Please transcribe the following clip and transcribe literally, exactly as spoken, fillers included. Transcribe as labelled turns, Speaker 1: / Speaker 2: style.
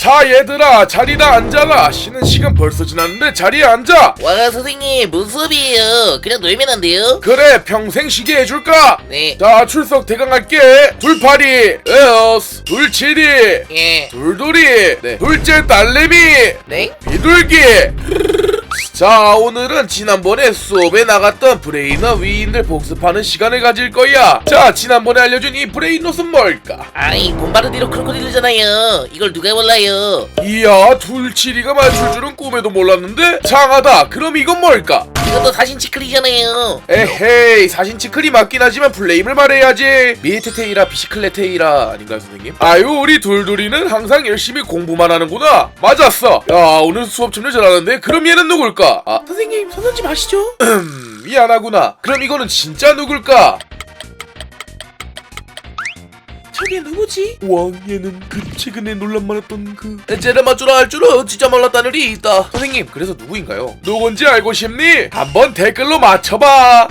Speaker 1: 자 얘들아 자리다 앉아라. 쉬는 시간 벌써 지났는데 자리에 앉아.
Speaker 2: 와 선생님 무슨 수업이에요? 그냥 놀면 안 돼요?
Speaker 1: 그래 평생 쉬게 해줄까?
Speaker 2: 네.
Speaker 1: 자 출석 대강할게. 둘파리 에어스 둘칠이
Speaker 2: 예.
Speaker 1: 둘돌이 네. 둘째 딸내미
Speaker 2: 네?
Speaker 1: 비둘기. 자 오늘은 지난번에 수업에 나갔던 브레인어 위인들 복습하는 시간을 가질 거야. 자 지난번에 알려준 이 브레인롯은 뭘까?
Speaker 2: 아이 봄바르디로 크로코딜이잖아요. 이걸 누가 몰라요?
Speaker 1: 이야 둘칠이가 맞출 줄은 꿈에도 몰랐는데 장하다. 그럼 이건 뭘까?
Speaker 2: 이것도 사신 치클이잖아요.
Speaker 1: 에헤이 사신 치클이 맞긴 하지만 플레임을 말해야지. 미에테테이라 비시클레테이라 아닌가요 선생님? 아유 우리 둘둘이는 항상 열심히 공부만 하는구나. 맞았어. 야 오늘 수업 참여 잘하는데 그럼 얘는 누굴까? 아 선생님 선언 좀 하시죠. 음 미안하구나. 그럼 이거는 진짜 누굴까? 저게 누구지? 와 얘는 그 최근에 논란 많았던 그 쟤를 맞추라 할 줄은 진짜 몰랐다는 일이 있다. 선생님 그래서 누구인가요? 누군지 알고 싶니? 한번 댓글로 맞춰봐.